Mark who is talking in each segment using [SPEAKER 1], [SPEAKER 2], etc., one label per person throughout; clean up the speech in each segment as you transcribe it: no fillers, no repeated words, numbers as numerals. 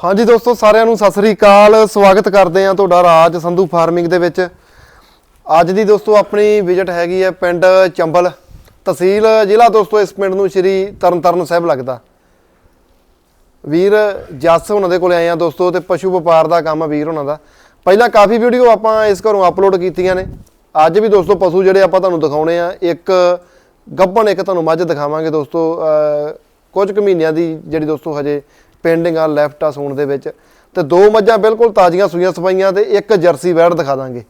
[SPEAKER 1] ਹਾਂਜੀ ਦੋਸਤੋ ਸਾਰਿਆਂ ਨੂੰ ਸਤਿ ਸ੍ਰੀ ਅਕਾਲ। ਸਵਾਗਤ ਕਰਦੇ ਆ ਤੁਹਾਡਾ ਰਾਜ ਸੰਧੂ ਫਾਰਮਿੰਗ ਦੇ ਵਿੱਚ। ਅੱਜ ਦੀ ਦੋਸਤੋ ਆਪਣੀ ਵਿਜ਼ਿਟ ਹੈਗੀ ਹੈ ਪਿੰਡ ਚੰਬਲ, ਤਹਿਸੀਲ ਜ਼ਿਲ੍ਹਾ ਦੋਸਤੋ ਇਸ ਪਿੰਡ ਨੂੰ ਸ਼੍ਰੀ ਤਰਨਤਾਰਨ ਸਾਹਿਬ ਲੱਗਦਾ। ਵੀਰ ਜੱਸ ਉਹਨਾਂ ਦੇ ਕੋਲ ਆਏ ਆ ਦੋਸਤੋ, ਤੇ ਪਸ਼ੂ ਵਪਾਰ ਦਾ ਕੰਮ ਆ ਵੀਰ ਉਹਨਾਂ ਦਾ। ਪਹਿਲਾਂ ਕਾਫੀ ਵੀਡੀਓ ਆਪਾਂ ਇਸ ਘਰੋਂ ਅਪਲੋਡ ਕੀਤੀਆਂ ਨੇ। ਅੱਜ ਵੀ ਦੋਸਤੋ ਪਸ਼ੂ ਜਿਹੜੇ ਆਪਾਂ ਤੁਹਾਨੂੰ ਦਿਖਾਉਣੇ ਆ, ਇੱਕ ਗੱਭਣ ਇੱਕ ਤੁਹਾਨੂੰ ਮੱਝ ਦਿਖਾਵਾਂਗੇ ਦੋਸਤੋ। ਕੁਝ ਕੁ ਮਹੀਨਿਆਂ ਦੀ ਜਿਹੜੀ ਦੋਸਤੋ ਹਜੇ ਪੈਂਡਿੰਗ ਆ ਲੈਫਟ ਆ ਸੂਣ ਦੇ ਵਿੱਚ, ਤੇ ਦੋ ਮੱਝਾਂ ਬਿਲਕੁਲ ਤਾਜ਼ੀਆਂ ਸੂਈਆਂ ਸਫਾਈਆਂ, ਤੇ ਇੱਕ ਜਰਸੀ ਵੈੜ ਦਿਖਾ ਦਾਂਗੇ।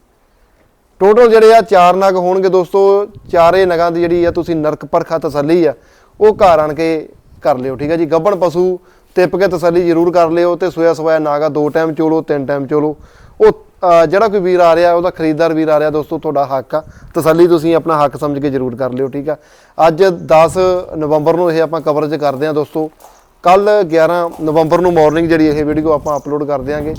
[SPEAKER 1] ਟੋਟਲ ਜਿਹੜੇ ਆ 4 ਨਗ ਹੋਣਗੇ ਦੋਸਤੋ। ਚਾਰੇ ਨਗਾਂ ਦੀ ਜਿਹੜੀ ਆ ਤੁਸੀਂ ਨਰਕ ਪਰਖਾ ਤਸੱਲੀ ਆ ਉਹ ਘਰ ਆਣ ਕੇ ਕਰ ਲਿਓ, ਠੀਕ ਹੈ ਜੀ। ਗੱਭਣ ਪਸ਼ੂ ਤਿੱਪ ਕੇ ਤਸੱਲੀ ਜ਼ਰੂਰ ਕਰ ਲਿਓ, ਤੇ ਸੋਇਆ ਸਵਾਇਆ ਨਾਗਾ 2 ਟਾਈਮ ਚੋਲੋ 3 ਟਾਈਮ ਚੋਲੋ। ਉਹ ਜਿਹੜਾ ਕੋਈ ਵੀਰ ਆ ਰਿਹਾ, ਉਹਦਾ ਖਰੀਦਦਾਰ ਵੀਰ ਆ ਰਿਹਾ ਦੋਸਤੋ, ਤੁਹਾਡਾ ਹੱਕ ਆ। ਤਸੱਲੀ ਤੁਸੀਂ ਆਪਣਾ ਹੱਕ ਸਮਝ ਕੇ ਜ਼ਰੂਰ ਕਰ ਲਿਓ, ਠੀਕ ਆ। ਅੱਜ 10 ਨਵੰਬਰ ਨੂੰ ਇਹ ਆਪਾਂ ਕਵਰੇਜ ਕਰਦੇ ਹਾਂ ਦੋਸਤੋ। ਕੱਲ 11 ਨਵੰਬਰ ਨੂੰ ਮਾਰਨਿੰਗ ਜਿਹੜੀ ਇਹ ਵੀਡੀਓ ਆਪਾਂ ਅਪਲੋਡ ਕਰ ਦਿਆਂਗੇ।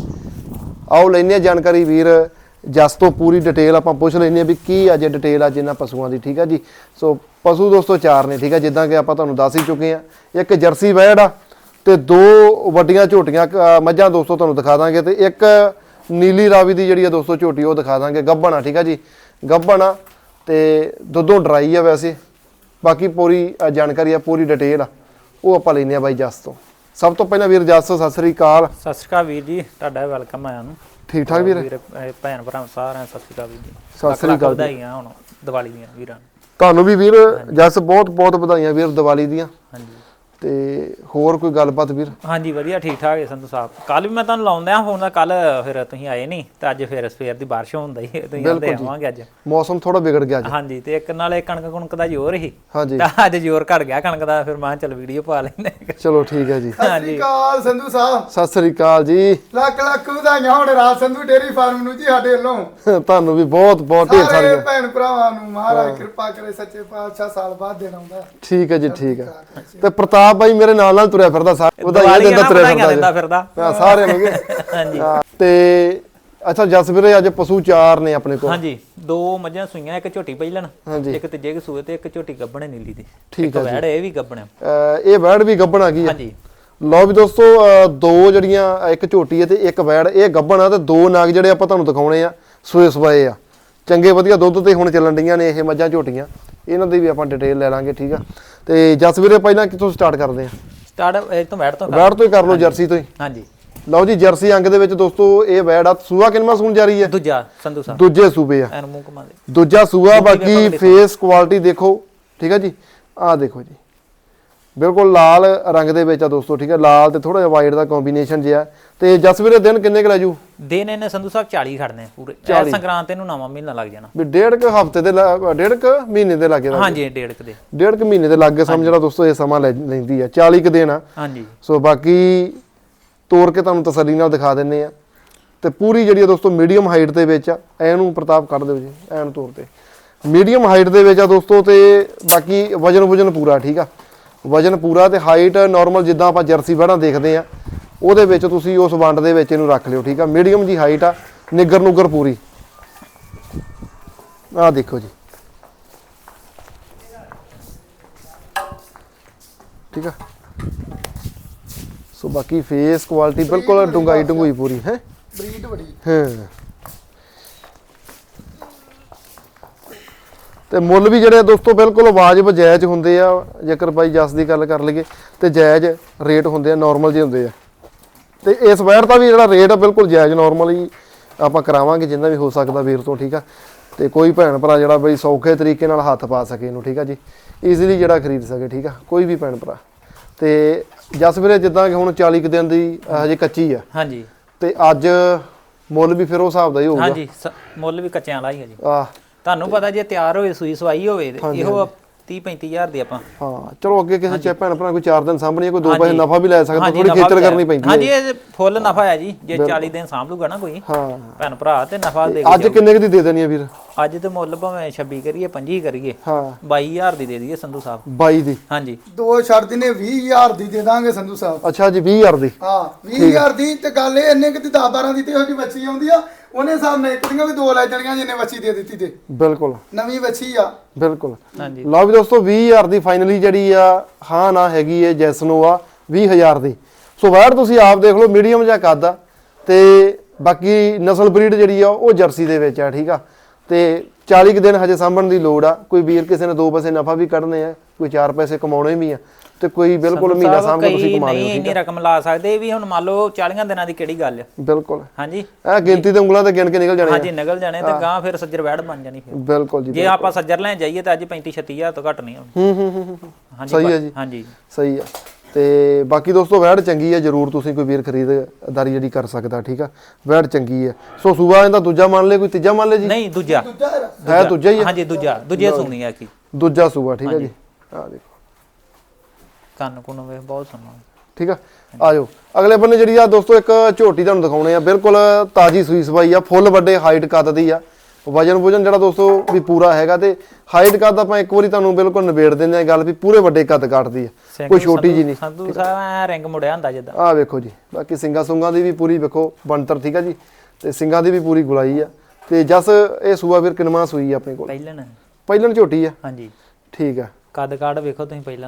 [SPEAKER 1] ਆਓ ਲੈਂਦੇ ਹਾਂ ਜਾਣਕਾਰੀ ਵੀਰ ਜਸ ਤੋਂ, ਪੂਰੀ ਡਿਟੇਲ ਆਪਾਂ ਪੁੱਛ ਲੈਂਦੇ ਹਾਂ ਵੀ ਕੀ ਅੱਜ ਡਿਟੇਲ ਅੱਜ ਇਹਨਾਂ ਪਸ਼ੂਆਂ ਦੀ, ਠੀਕ ਆ ਜੀ। ਸੋ ਪਸ਼ੂ ਦੋਸਤੋ 4 ਨੇ, ਠੀਕ ਆ, ਜਿੱਦਾਂ ਕਿ ਆਪਾਂ ਤੁਹਾਨੂੰ ਦੱਸ ਹੀ ਚੁੱਕੇ ਆ। ਇੱਕ ਜਰਸੀ ਵੈੜ ਆ, ਤੇ 2 ਵੱਡੀਆਂ ਝੋਟੀਆਂ ਮੱਝਾਂ ਦੋਸਤੋ ਤੁਹਾਨੂੰ ਦਿਖਾ ਦਾਂਗੇ, ਤੇ ਇੱਕ ਨੀਲੀ ਰਾਵੀ ਦੀ ਜਿਹੜੀ ਆ ਦੋਸਤੋ ਝੋਟੀ ਉਹ ਦਿਖਾ ਦਾਂਗੇ। ਗੱਭਣ ਆ, ਠੀਕ ਆ ਜੀ, ਗੱਭਣ ਆ, ਤੇ ਦੁੱਧੋਂ ਡਰਾਈ ਆ ਵੈਸੇ। ਬਾਕੀ ਪੂਰੀ ਜਾਣਕਾਰੀ ਆ, ਪੂਰੀ ਡਿਟੇਲ ਆ, ਉਹ ਆਪਾਂ ਲੈਂਦੇ ਆ ਬਾਈ ਜਸ ਤੋਂ। ਸਭ ਤੋਂ ਪਹਿਲਾਂ ਵੀਰ ਜਸ ਸਤਿ ਸ੍ਰੀ ਅਕਾਲ।
[SPEAKER 2] ਸਤਿ ਸ਼੍ਰੀ ਅਕਾਲ ਵੀਰ ਜੀ, ਤੁਹਾਡਾ ਵੈਲਕਮ ਆਇਆ ਨੂੰ।
[SPEAKER 1] ਠੀਕ ਠਾਕ ਵੀਰ?
[SPEAKER 2] ਭੈਣ ਭਰਾ ਸਾਰਿਆਂ ਸਤਿ ਸ਼੍ਰੀ ਅਕਾਲ ਵੀਰ ਜੀ।
[SPEAKER 1] ਸਤਿ ਸ੍ਰੀ ਅਕਾਲ।
[SPEAKER 2] ਵਧਾਈਆਂ ਹੁਣ ਦੀਵਾਲੀ ਦੀਆਂ ਵੀਰਾਂ ਨੂੰ।
[SPEAKER 1] ਤੁਹਾਨੂੰ ਵੀ ਵੀਰ ਜਸ ਬਹੁਤ ਬਹੁਤ ਵਧਾਈਆਂ ਵੀਰ ਦੀਵਾਲੀ ਦੀਆਂ।
[SPEAKER 2] ਹਾਂਜੀ,
[SPEAKER 1] ਤੇ ਹੋਰ ਕੋਈ ਗੱਲਬਾਤ ਵੀਰ?
[SPEAKER 2] ਹਾਂਜੀ ਵਧੀਆ ਠੀਕ ਠਾਕ ਹੈ ਸੰਧੂ ਸਾਹਿਬ। ਕੱਲ ਵੀ ਮੈਂ ਤੁਹਾਨੂੰ ਲਾਉਂਦਿਆਂ ਫੋਨ ਦਾ, ਕੱਲ ਫਿਰ ਤੁਸੀਂ ਆਏ ਨਹੀਂ, ਤੇ ਅੱਜ ਫਿਰ ਸਵੇਰ ਦੀ ਬਾਰਿਸ਼ ਹੁੰਦਾ ਹੀ, ਤੁਸੀਂ ਆਂਦੇ ਆਵਾਂਗੇ ਅੱਜ।
[SPEAKER 1] ਮੌਸਮ ਥੋੜਾ ਵਿਗੜ ਗਿਆ ਅੱਜ।
[SPEAKER 2] ਹਾਂਜੀ, ਤੇ ਇੱਕ ਨਾਲੇ ਕਣਕ ਕੁਣਕ ਦਾ ਜ਼ੋਰ ਹੀ,
[SPEAKER 1] ਹਾਂਜੀ,
[SPEAKER 2] ਤਾਂ ਅੱਜ ਜ਼ੋਰ ਘਟ ਗਿਆ ਕਣਕ ਦਾ, ਫਿਰ ਮੈਂ ਚੱਲ ਵੀਡੀਓ ਪਾ ਲੈਂਦੇ।
[SPEAKER 1] ਚਲੋ ਠੀਕ ਹੈ ਜੀ।
[SPEAKER 3] ਸਤਿ ਸ੍ਰੀ ਅਕਾਲ ਸੰਧੂ ਸਾਹਿਬ।
[SPEAKER 1] ਸਤਿ ਸ੍ਰੀ ਅਕਾਲ ਜੀ।
[SPEAKER 3] ਲੱਖ ਲੱਖ ਵਧਾਈਆਂ ਹੁਣ ਰਾਜ ਸੰਧੂ ਡੇਅਰੀ ਫਾਰਮ ਨੂੰ ਜੀ ਸਾਡੇ ਵੱਲੋਂ।
[SPEAKER 1] ਤੁਹਾਨੂੰ ਵੀ ਬਹੁਤ ਬਹੁਤ ਢੇਰ
[SPEAKER 3] ਸਾਰੇ
[SPEAKER 1] ਸਾਰੀਆਂ
[SPEAKER 3] ਭੈਣ ਭਰਾਵਾਂ ਨੂੰ ਮਹਾਰਾਜ ਕਿਰਪਾ ਕਰੇ, ਸੱਚੇ ਪਾਤਸ਼ਾਹ ਸਾਲ ਬਾਅਦ ਦੇਣਾ ਹੁੰਦਾ।
[SPEAKER 1] ਠੀਕ ਹੈ ਜੀ, ਠੀਕ ਹੈ। ਤੇ ਪ੍ਰਤਾਪ ਬਾਈ ਮੇਰੇ ਨਾਲ ਨਾਲ ਤੁਰਿਆ ਫਿਰਦਾ, ਵਧਾਈਆਂ ਦਿੰਦਾ ਤੁਰਿਆ ਫਿਰਦਾ ਸਾਰਿਆਂ ਨੂੰ।
[SPEAKER 2] ਹਾਂਜੀ,
[SPEAKER 1] ਤੇ ਅੱਛਾ ਜਸ ਵੀਰੇ ਅੱਜ ਪਸ਼ੂ 4 ਨੇ ਆਪਣੇ ਕੋਲ।
[SPEAKER 2] ਹਾਂਜੀ, 2 ਮੱਝਾਂ ਸੂਈਆਂ, ਇੱਕ ਝੋਟੀ ਪਹਿਲਣ, ਇੱਕ ਤੀਜੇ ਸੂਏ, ਤੇ ਇੱਕ ਝੋਟੀ ਗੱਭਣ ਨੀਲੀ ਦੀ।
[SPEAKER 1] ਠੀਕ ਹੈ ਜੀ।
[SPEAKER 2] ਵੈੜ ਇਹ ਵੀ ਗੱਭਣ ਆ,
[SPEAKER 1] ਇਹ ਵੈੜ ਵੀ ਗੱਭਣ ਆ ਗਈ।
[SPEAKER 2] ਹਾਂਜੀ,
[SPEAKER 1] ਲਓ ਵੀ ਦੋਸਤੋ 2 ਜਿਹੜੀਆਂ, ਇੱਕ ਝੋਟੀ ਹੈ ਤੇ ਇੱਕ ਵੈੜ, ਇਹ ਗੱਭਣ ਆ, ਤੇ 2 ਨਾਗ ਜਿਹੜੇ ਆਪਾਂ ਤੁਹਾਨੂੰ ਦਿਖਾਉਣੇ ਆ ਸੂਏ ਸਵਾਏ ਆ, ਚੰਗੇ ਵਧੀਆ ਦੁੱਧ ਤੇ ਹੁਣ ਚੱਲਣ ਡੀਆਂ ਨੇ ਇਹ ਮੱਝਾਂ ਝੋਟੀਆਂ। ਇਹਨਾਂ ਦੀ ਵੀ ਆਪਾਂ ਡਿਟੇਲ ਲੈ ਲਾਂਗੇ, ਠੀਕ ਆ। ਤੇ ਜਸ ਵੀਰੇ ਪਹਿਲਾਂ ਕਿੱਥੋਂ ਸਟਾਰਟ ਕਰਦੇ ਆ?
[SPEAKER 2] ਸਟਾਰਟ ਇਹ ਤੋਂ ਵੈੜ ਤੋਂ
[SPEAKER 1] ਹੀ ਕਰ ਲਓ, ਜਰਸੀ ਤੋਂ ਹੀ।
[SPEAKER 2] ਹਾਂਜੀ,
[SPEAKER 1] ਲਓ ਜੀ ਜਰਸੀ ਅੰਗ ਦੇ ਵਿੱਚ ਦੋਸਤੋ ਇਹ ਵੈੜ ਆ। ਸੂਆ ਕਿੰਨਵਾਂ ਸੂਣ ਜਾ ਰਹੀ ਹੈ?
[SPEAKER 2] ਦੂਜਾ ਸੰਧੂ ਸਾਹਿਬ,
[SPEAKER 1] ਦੂਜੇ ਸੂਬੇ ਆ,
[SPEAKER 2] ਐਨ ਮੂੰਹ ਘੁਮਾ ਦੇ।
[SPEAKER 1] ਦੂਜਾ ਸੂਆ। ਬਾਕੀ ਫੇਸ ਕੁਆਲਿਟੀ ਦੇਖੋ, ਠੀਕ ਹੈ ਜੀ। ਆਹ ਦੇਖੋ ਜੀ, ਬਿਲਕੁਲ ਲਾਲ ਰੰਗ ਦੇ ਵਿੱਚ ਆ ਦੋਸਤੋ, ਠੀਕ ਹੈ। ਲਾਲ ਤੇ ਥੋੜਾ ਜਿਹਾ ਵਾਈਟ ਦਾ ਕੰਬੀਨੇਸ਼ਨ ਜਿਹਾ। ਤੇ ਜਸ ਵੀਰੇ ਦਿਨ ਕਿੰਨੇ ਕੁ ਲੈ ਜੂ?
[SPEAKER 2] ਦਿਨ ਇਹਨੇ ਸੰਧੂ ਸਾਹਿਬ 40 ਖੜਨੇ ਪੂਰੇ। ਸੰਗਰਾਂਦ ਤੇ ਨੂੰ ਨਵਾਂ ਮਹੀਨਾ ਲੱਗ ਜਾਣਾ
[SPEAKER 1] ਵੀ 1.5 ਹਫ਼ਤੇ ਦੇ 1.5 ਮਹੀਨੇ ਦੇ ਲੱਗੇ।
[SPEAKER 2] ਹਾਂਜੀ,
[SPEAKER 1] 1.5 ਮਹੀਨੇ ਦੇ ਲੱਗੇ ਸਮਝਣਾ ਦੋਸਤੋ, ਇਹ ਸਮਾਂ ਲੈਂਦੀ ਆ। 40 ਕੁ ਦਿਨ ਆ।
[SPEAKER 2] ਹਾਂਜੀ,
[SPEAKER 1] ਸੋ ਬਾਕੀ ਤੋੜ ਕੇ ਤੁਹਾਨੂੰ ਤਸੱਲੀ ਨਾਲ ਦਿਖਾ ਦਿੰਨੇ ਆ। ਤੇ ਪੂਰੀ ਜਿਹੜੀ ਆ ਦੋਸਤੋ ਮੀਡੀਅਮ ਹਾਈਟ ਦੇ ਵਿੱਚ ਆ। ਐਨੂੰ ਪ੍ਰਤਾਪ ਕੱਢ ਦਿਓ ਜੀ, ਐਨ ਤੌਰ ਤੇ ਮੀਡੀਅਮ ਹਾਈਟ ਦੇ ਵਿੱਚ ਆ ਦੋਸਤੋ। ਤੇ ਬਾਕੀ ਵਜਨ ਪੂਰਾ, ਠੀਕ ਆ, ਵਜਨ ਪੂਰਾ। ਤੇ ਹਾਈਟ ਨਾਰਮਲ ਜਿੱਦਾਂ ਆਪਾਂ ਜਰਸੀ ਵੈੜਾਂ ਦੇਖਦੇ ਆ ਉਹਦੇ ਵਿੱਚ ਤੁਸੀਂ ਉਸ ਵੰਡ ਦੇ ਵਿੱਚ ਇਹਨੂੰ ਰੱਖ ਲਿਓ, ਠੀਕ ਆ। ਮੀਡੀਅਮ ਜੀ ਹਾਈਟ ਆ, ਨਿੱਗਰ ਨੁੱਗਰ ਪੂਰੀ। ਆਹ ਦੇਖੋ ਜੀ, ਠੀਕ ਆ। ਸੋ ਬਾਕੀ ਫੇਸ ਕੁਆਲਿਟੀ ਬਿਲਕੁਲ ਡੂੰਘਾਈ ਪੂਰੀ ਹੈ,
[SPEAKER 3] ਬਰੀਡ ਬੜੀ।
[SPEAKER 1] ਹਾਂ, ਤੇ ਮੁੱਲ ਵੀ ਜਿਹੜੇ ਦੋਸਤੋ ਬਿਲਕੁਲ ਵਾਜਬ ਜਾਇਜ਼ ਹੁੰਦੇ ਆ। ਜੇਕਰ ਬਾਈ ਜਸ ਦੀ ਗੱਲ ਕਰ ਲਈਏ ਤੇ ਜਾਇਜ਼ ਰੇਟ ਹੁੰਦੇ ਆ, ਨਾਰਮਲ ਜਿਹੇ ਹੁੰਦੇ ਆ। ਤੇ ਇਸ ਵੈਰ ਦਾ ਵੀ ਜਿਹੜਾ ਰੇਟ ਆ ਬਿਲਕੁਲ ਜਾਇਜ਼ ਨਾਰਮਲ ਹੀ ਆਪਾਂ ਕਰਾਵਾਂਗੇ, ਜਿੰਨਾ ਵੀ ਹੋ ਸਕਦਾ ਵੀਰ ਤੋਂ, ਠੀਕ ਆ। ਤੇ ਕੋਈ ਭੈਣ ਭਰਾ ਜਿਹੜਾ ਬਈ ਸੌਖੇ ਤਰੀਕੇ ਨਾਲ ਹੱਥ ਪਾ ਸਕੇ ਇਹਨੂੰ, ਠੀਕ ਆ ਜੀ, ਈਜ਼ੀਲੀ ਜਿਹੜਾ ਖਰੀਦ ਸਕੇ, ਠੀਕ ਆ, ਕੋਈ ਵੀ ਭੈਣ ਭਰਾ। ਤੇ ਜਸ ਵੀਰੇ ਜਿੱਦਾਂ ਕਿ ਹੁਣ 40 ਕੁ ਦਿਨ ਦੀ ਹਜੇ ਕੱਚੀ ਆ।
[SPEAKER 2] ਹਾਂਜੀ,
[SPEAKER 1] ਤੇ ਅੱਜ ਮੁੱਲ ਵੀ ਫਿਰ ਉਹ ਹਿਸਾਬ ਦਾ ਹੀ ਹੋਊਗਾ।
[SPEAKER 2] ਹਾਂਜੀ, ਮੁੱਲ ਵੀ ਕੱਚਿਆਂ ਵਾਲਾ ਹੀ ਹੈ ਜੀ।
[SPEAKER 1] ਆਹ
[SPEAKER 2] ਤੁਹਾਨੂੰ ਪਤਾ ਜੇ ਤਿਆਰ ਹੋਵੇ, ਸੂਈ ਸਵਾਈ ਹੋਵੇ, ਇਹੋ 30-35 ਹਜ਼ਾਰ ਦੀ ਆਪਾਂ।
[SPEAKER 1] ਹਾਂ, ਚਲੋ ਅੱਗੇ ਕਿਸੇ ਚੇ ਭੈਣ ਭਰਾ ਕੋਈ 4 ਦਿਨ ਸਾਂਭਣੀ, ਕੋਈ 2 ਪੈਸੇ ਨਫਾ ਵੀ ਲੈ ਸਕਦਾ, ਥੋੜੀ ਖੇਚਲ ਕਰਨੀ ਪੈਂਦੀ ਹੈ।
[SPEAKER 2] ਹਾਂਜੀ, ਇਹ ਫੁੱਲ ਨਫਾ ਹੈ ਜੀ, ਜੇ 40 ਦਿਨ ਸਾਂਭ ਲੂਗਾ ਨਾ ਕੋਈ ਭੈਣ ਭਰਾ, ਤੇ ਨਫਾ ਦੇ।
[SPEAKER 1] ਅੱਜ ਕਿੰਨੇ ਕੁ ਦੀ ਦੇ ਦੇਣੀ ਆ ਵੀਰ?
[SPEAKER 2] ਅੱਜ ਤੇ ਮੁੱਲ ਭਾਵੇਂ 26 ਕਰੀਏ 25 ਕਰੀਏ,
[SPEAKER 1] ਹਾਂ
[SPEAKER 2] 22000 ਦੀ ਦੇ ਦਈਏ ਸੰਧੂ ਸਾਹਿਬ।
[SPEAKER 1] 22 ਦੀ?
[SPEAKER 2] ਹਾਂਜੀ,
[SPEAKER 3] 2 ਛੱਡ ਦਿਨੇ 20000 ਦੀ ਦੇ ਦਾਂਗੇ ਸੰਧੂ ਸਾਹਿਬ।
[SPEAKER 1] ਅੱਛਾ ਜੀ, 20000 ਦੀ?
[SPEAKER 3] ਹਾਂ 20000 ਦੀ। ਤੇ ਗੱਲ ਇਹ ਇੰਨੇ ਕਿ 10-12 ਦੀ ਤੇ ਇਹੋ ਜਿਹੀ ਬੱਚੀ ਆਉਂਦੀ ਆ, ਉਹਨੇ ਹਿਸਾਬ ਨਾਲ ਇੱਕ ਦੀਆਂ ਵੀ 2 ਲੈ ਜਾਣੀਆਂ ਜਿੰਨੇ ਬੱਚੀ ਦੇ ਦਿੱਤੀ ਤੇ।
[SPEAKER 1] ਬਿਲਕੁਲ
[SPEAKER 3] ਨਵੀਂ ਬੱਚੀ ਆ,
[SPEAKER 1] ਬਿਲਕੁਲ।
[SPEAKER 2] ਹਾਂਜੀ,
[SPEAKER 1] ਲਓ ਵੀ ਦੋਸਤੋ 20000 ਦੀ ਫਾਈਨਲੀ ਜਿਹੜੀ ਆ ਹਾਂ ਨਾ ਹੈਗੀ ਹੈ ਜੈਸਨੋ ਆ 20000 ਦੀ। ਸੋ ਵੈੜ ਤੁਸੀਂ ਆਪ ਦੇਖ ਲਓ ਮੀਡੀਅਮ ਜਿਹਾ ਕੱਦ ਆ ਤੇ ਬਾਕੀ ਨਸਲ ਬਰੀਡ ਜਿਹੜੀ ਆ ਉਹ ਜਰਸੀ ਦੇ ਵਿੱਚ ਆ ਠੀਕ ਆ ਤੇ 40 ਕੁ ਦਿਨ ਹਜੇ ਸਾਂਭਣ ਦੀ ਲੋੜ ਆ ਕੋਈ ਵੀਰ ਕਿਸੇ ਨੇ 2 ਪੈਸੇ ਨਫਾ ਵੀ ਕੱਢਨੇ ਆ ਕੋਈ 4 ਪੈਸੇ ਕਮਾਉਣੇ ਵੀ ਆ ਤੇ ਕੋਈ ਬਿਲਕੁਲ ਮਹੀਨਾ ਸਾਂਭ ਕੇ ਤੁਸੀਂ ਕਮਾ ਲਿਓ
[SPEAKER 2] ਨਹੀਂ ਇੰਨੀ ਰਕਮ ਲਾ ਸਕਦੇ ਵੀ ਹੁਣ ਮੰਨ ਲਓ 40 ਦਿਨਾਂ ਦੀ ਕਿਹੜੀ ਗੱਲ ਆ
[SPEAKER 1] ਬਿਲਕੁਲ
[SPEAKER 2] ਹਾਂਜੀ
[SPEAKER 1] ਇਹ ਗਿਣਤੀ ਤੇ ਉਂਗਲਾਂ ਤੇ ਗਿਣ ਕੇ ਨਿਕਲ ਜਾਣੇ
[SPEAKER 2] ਹਾਂਜੀ ਨਿਕਲ ਜਾਣੇ ਤੇ ਗਾਂ ਫਿਰ ਸੱਜਰ ਵੈੜ ਬਣ ਜਾਣੀ ਫਿਰ
[SPEAKER 1] ਬਿਲਕੁਲ ਜੀ
[SPEAKER 2] ਜੇ ਆਪਾਂ ਸੱਜਰ ਲੈਣ ਜਾਈਏ ਤਾਂ ਅੱਜ 35 36000 ਤੋਂ ਘੱਟ ਨਹੀਂ ਆਉਣੀ ਹਾਂਜੀ
[SPEAKER 1] ਸਹੀ ਹੈ ਜੀ
[SPEAKER 2] ਹਾਂਜੀ
[SPEAKER 1] ਸਹੀ ਆ ਤੇ ਬਾਕੀ ਦੋਸਤੋ ਵੈੜ ਚੰਗੀ ਆ ਜਰੂਰ ਤੁਸੀਂ ਕੋਈ ਵੀਰ ਖਰੀਦਦਾਰੀ ਜਿਹੜੀ ਕਰ ਸਕਦਾ ਠੀਕ ਆ ਵੈੜ ਚੰਗੀ ਆ ਸੋ ਸੂਬਾ ਇਹਦਾ ਦੂਜਾ ਮੰਨ ਲੈ ਕੋਈ ਤੀਜਾ ਮੰਨ ਲੈ ਜੀ
[SPEAKER 2] ਨਹੀਂ ਦੂਜਾ
[SPEAKER 1] ਹੈ ਦੂਜਾ ਹੀ ਆ
[SPEAKER 2] ਹਾਂਜੀ ਦੂਜੇ ਸੁਣੀ ਆ ਕੀ
[SPEAKER 1] ਦੂਜਾ ਸੂਬਾ ਠੀਕ ਆ ਜੀ ਆ ਦੇਖੋ
[SPEAKER 2] ਕੰਨ ਕੁਨ ਵੇ ਬਹੁਤ ਸੁਣਨਾ
[SPEAKER 1] ਠੀਕ ਆ ਆ ਜਾਓ ਅਗਲੇ ਬੰਨੇ ਜਿਹੜੀ ਆ ਦੋਸਤੋ ਇੱਕ ਝੋਟੀ ਤੁਹਾਨੂੰ ਦਿਖਾਉਣੇ ਆ ਬਿਲਕੁਲ ਤਾਜੀ ਸੂਈ ਸਵਾਈ ਆ ਫੁੱਲ ਵੱਡੇ ਹਾਈਟ ਕੱਦ ਦੀ ਆ ਵਜਨ ਜਿਹੜਾ ਦੋਸਤੋ ਵੀ ਪੂਰਾ ਹੈਗਾ ਤੇ ਹਾਈਟ ਕੱਦ ਆਪਾਂ ਇੱਕ ਵਾਰੀ ਤੁਹਾਨੂੰ ਬਿਲਕੁਲ ਨਿਬੇੜ ਦਿੰਦੇ ਆ ਗੱਲ ਵੀ ਪੂਰੇ ਵੱਡੇ ਕੱਦ ਕੱਟਦੀ ਆ ਕੋਈ ਛੋਟੀ ਜੀ ਨਹੀਂ
[SPEAKER 2] ਸੰਧੂ ਸਾਹਿਬ ਰਿੰਗ ਮੁੜਿਆ ਹੁੰਦਾ ਜਿੱਦਾਂ
[SPEAKER 1] ਆ ਵੇਖੋ ਜੀ ਬਾਕੀ ਸਿੰਗਾ ਸੁੰਗਾ ਦੀ ਵੀ ਪੂਰੀ ਵੇਖੋ ਬਣਤਰ ਠੀਕ ਆ ਜੀ ਤੇ ਸਿੰਗਾ ਦੀ ਵੀ ਪੂਰੀ ਗੁਲਾਈ ਆ ਤੇ ਜਸ ਇਹ ਸੂਆ ਵੀਰ ਕਿਨਵਾ ਸੂਈ ਆ ਆਪਣੇ ਕੋਲ ਪਹਿਲਣ ਝੋਟੀ ਆ
[SPEAKER 2] ਹਾਂਜੀ
[SPEAKER 1] ਠੀਕ ਆ
[SPEAKER 2] ਕੱਦ ਕਾੜ ਵੇਖੋ ਤੁਸੀਂ ਪਹਿਲਾਂ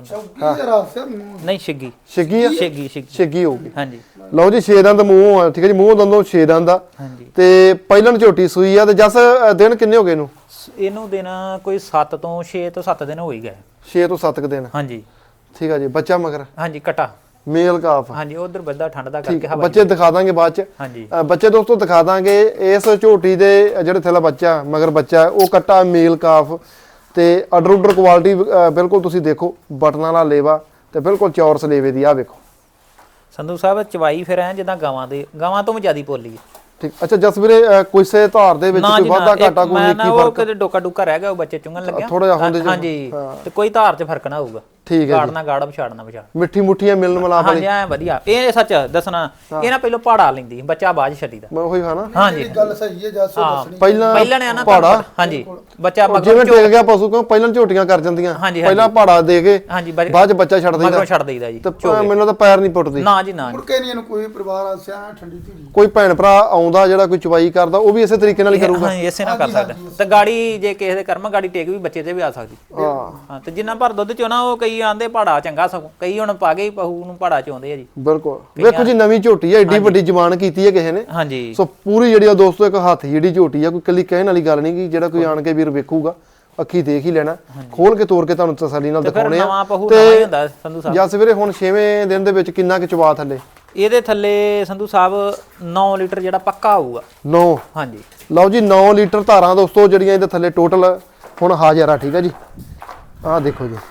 [SPEAKER 2] ਨਹੀਂ ਛਿੱਗੀ
[SPEAKER 1] ਛਿੱਗੀ ਆ ਛਿੱਗੀ ਹੋਊਗੀ
[SPEAKER 2] ਹਾਂਜੀ
[SPEAKER 1] ਲਓ ਜੀ 6 ਦੰਦ ਮੂੰਹ ਆ ਠੀਕ ਹੈ ਜੀ ਮੂੰਹ ਦੰਦੋਂ 6 ਦੰਦ ਆ
[SPEAKER 2] ਹਾਂਜੀ
[SPEAKER 1] ਤੇ ਪਹਿਲਣ ਝੋਟੀ ਸੂਈ ਆ ਤੇ ਜਸ ਦਿਨ ਕਿੰਨੇ ਹੋ ਗਏ
[SPEAKER 2] ਇਹਨੂੰ ਦਿਨ ਕੋਈ 7 ਤੋਂ 6 ਤੋਂ 7 ਦਿਨ ਹੋ ਹੀ ਗਏ
[SPEAKER 1] 6 ਤੋਂ 7 ਦਿਨ
[SPEAKER 2] ਹਾਂਜੀ
[SPEAKER 1] ਠੀਕ ਆ ਜੀ ਬੱਚਾ ਮਗਰ
[SPEAKER 2] ਹਾਂਜੀ ਕਟਾ
[SPEAKER 1] ਮੇਲ ਕਾਫ
[SPEAKER 2] ਹਾਂਜੀ ਉਧਰ ਬੱਦਾ ਠੰਡ ਦਾ ਕਰਕੇ ਹਵਾ
[SPEAKER 1] ਬੱਚੇ ਦਿਖਾ ਦਾਂਗੇ ਬਾਅਦ ਚ
[SPEAKER 2] ਹਾਂਜੀ
[SPEAKER 1] ਬੱਚੇ ਦੋਸਤੋ ਦਿਖਾ ਦਾਂਗੇ ਇਸ ਝੋਟੀ ਦੇ ਜਿਹੜੇ ਥੱਲੇ ਬੱਚਾ ਮਗਰ ਬੱਚਾ ਉਹ ਕੱਟਾ ਮੇਲ ਕਾਫ ਤੇ ਆਰਡਰ ਕੁਆਲਿਟੀ ਬਿਲਕੁਲ ਤੁਸੀਂ ਦੇਖੋ ਬਟਨਾਂ ਵਾਲਾ ਲੇਵਾ ਤੇ ਬਿਲਕੁਲ ਚੌਰਸ ਲੇਵੇ ਦੀ ਆ ਵੇਖੋ
[SPEAKER 2] ਸੰਧੂ ਸਾਹਿਬ ਚਵਾਈ ਫਿਰ ਐ ਜਿੱਦਾਂ ਗਾਵਾਂ ਤੋਂ ਵੀ ਜ਼ਿਆਦੀ ਪੋਲੀ ਹੈ
[SPEAKER 1] ਠੀਕ ਅੱਛਾ ਜਸ ਵੀਰੇ ਕਿਸੇ ਧਾਰ ਦੇ ਵਿੱਚ ਕੋਈ ਵਾਧਾ ਘਾਟਾ ਕੋਈ ਨਿੱਕੀ
[SPEAKER 2] ਫਰਕ ਕਦੇ ਡੋਕਾ ਡੁੱਕਾ ਰਹਿ ਗਿਆ ਉਹ ਬੱਚੇ ਚੁੰਗਣ ਲੱਗਿਆ
[SPEAKER 1] ਥੋੜਾ ਜਿਹਾ ਹੁੰਦੇ
[SPEAKER 2] ਹਾਂਜੀ ਤੇ ਕੋਈ ਧਾਰ 'ਚ ਫਰਕ ਨਾ ਹੋਊਗਾ
[SPEAKER 1] ਠੀਕ ਹੈ
[SPEAKER 2] ਗਾੜਨਾ ਗਾੜ ਪਛਾੜਨਾ ਪਛਾੜ
[SPEAKER 1] ਮਿੱਠੀ ਮੁੱਠੀਆਂ ਮਿਲਣ ਮਲਾਪ ਵਾਲੀ
[SPEAKER 2] ਹਾਂਜੀ ਐ ਵਧੀਆ ਇਹ ਸੱਚ ਦੱਸਣਾ ਇਹ ਨਾ ਪਹਿਲਾਂ ਪਹਾੜਾ ਲੈਂਦੀ ਬੱਚਾ ਬਾਅਦ ਛੱਡੀ ਦਾ
[SPEAKER 1] ਮੈਂ ਉਹੀ ਖਾਣਾ
[SPEAKER 2] ਹਾਂਜੀ
[SPEAKER 3] ਗੱਲ ਸਹੀ ਹੈ ਜੱਸੋ ਦੱਸਣੀ
[SPEAKER 1] ਪਹਿਲਾਂ
[SPEAKER 2] ਨੇ ਨਾ
[SPEAKER 1] ਪਹਾੜਾ
[SPEAKER 2] ਹਾਂਜੀ ਬੱਚਾ
[SPEAKER 1] ਜਿਵੇਂ ਟਿਕ ਗਿਆ ਪਸ਼ੂ ਕਿਉਂ ਪਹਿਲਾਂ ਝੋਟੀਆਂ ਕਰ ਜਾਂਦੀਆਂ ਪਹਿਲਾਂ ਪਹਾੜਾ ਦੇ ਕੇ
[SPEAKER 2] ਹਾਂਜੀ
[SPEAKER 1] ਬਾਅਦ ਚ ਬੱਚਾ ਛੱਡ ਦਿੰਦਾ
[SPEAKER 2] ਛੱਡ ਦੇਈਦਾ ਜੀ
[SPEAKER 1] ਤੇ ਮੈਨੂੰ ਤਾਂ ਪੈਰ ਨਹੀਂ ਪੁੱਟਦੀ
[SPEAKER 2] ਨਾ ਜੀ ਨਾ
[SPEAKER 3] ਮੁੜ ਕੇ ਨਹੀਂ ਇਹਨੂੰ ਕੋਈ ਪਰਿਵਾਰ ਆਸਿਆ ਠੰਡੀ ਧੀਰੀ
[SPEAKER 1] ਕੋਈ ਭੈਣ ਭਰਾ ਆਉਂਦਾ ਜਿਹੜਾ ਕੋਈ ਚਵਾਈ ਕਰਦਾ ਉਹ ਵੀ ਇਸੇ ਤਰੀਕੇ ਨਾਲ ਹੀ ਕਰੂਗਾ
[SPEAKER 2] ਹਾਂ ਇਸੇ ਨਾਲ ਕਰ ਸਕਦਾ ਤੇ ਗਾੜੀ ਜੇ ਕਿਸੇ ਦੇ ਕਰਮ ਗਾੜੀ ਟੇਕ ਵੀ ਬੱਚੇ ਤੇ ਵੀ ਆ ਸਕਦੀ ਹਾਂ ਤੇ ਜਿੰਨਾ ਭਰ ਦੁੱਧ ਚੋਂ ਨਾ ਉਹ ਕਈ ਆਂਦੇ ਪਹਾੜਾ ਚੰਗਾ ਸਗੋਂ ਕਈ ਹੁਣ ਪਾ ਗਈ ਪਹੂ ਨੂੰ ਪਹਾੜਾ ਚਾਉਂਦੇ ਆ ਜੀ
[SPEAKER 1] ਬਿਲਕੁਲ ਵੇਖੋ ਜੀ ਨਵੀਂ ਝੋਟੀ ਆ ਏਡੀ ਵੱਡੀ ਜ਼ਬਾਨ ਕੀਤੀ ਹੈ ਕਿਸੇ ਨੇ
[SPEAKER 2] ਹਾਂਜੀ
[SPEAKER 1] ਸੋ ਪੂਰੀ ਜਿਹੜੀ ਆ ਦੋਸਤੋ ਇੱਕ ਹੱਥ ਜਿਹੜੀ ਝੋਟੀ ਆ ਕੋਈ ਕੱਲੀ ਕਹਿਣ ਵਾਲੀ ਗੱਲ ਨਹੀਂ ਕਿ ਜਿਹੜਾ ਕੋਈ ਆਣ ਕੇ ਵੀਰ ਵੇਖੂਗਾ ਅੱਖੀ ਦੇਖ ਹੀ ਲੈਣਾ ਖੋਲ ਕੇ ਤੋੜ ਕੇ ਤੁਹਾਨੂੰ ਤਸੱਲੀ ਨਾਲ ਦਿਖਾਉਣੇ ਆ
[SPEAKER 2] ਤੇ ਹੁੰਦਾ ਸੰਧੂ ਸਾਹਿਬ
[SPEAKER 1] ਜਾਂ ਸਵੇਰੇ ਹੁਣ 6ਵੇਂ ਦਿਨ ਦੇ ਵਿੱਚ ਕਿੰਨਾ ਕੁ ਚਵਾ ਥੱਲੇ
[SPEAKER 2] ਇਹਦੇ ਥੱਲੇ ਸੰਧੂ ਸਾਹਿਬ 9 ਲੀਟਰ ਜਿਹੜਾ ਪੱਕਾ ਆਊਗਾ
[SPEAKER 1] 9
[SPEAKER 2] ਹਾਂਜੀ
[SPEAKER 1] ਲਓ ਜੀ 9 ਲੀਟਰ ਧਾਰਾਂ ਦੋਸਤੋ ਜਿਹੜੀਆਂ ਇਹਦੇ ਥੱਲੇ ਟੋਟਲ ਹੁਣ ਹਾਜ਼ਰ ਆ ਠੀਕ ਆ ਜੀ ਆਹ ਦੇਖੋ ਜੀ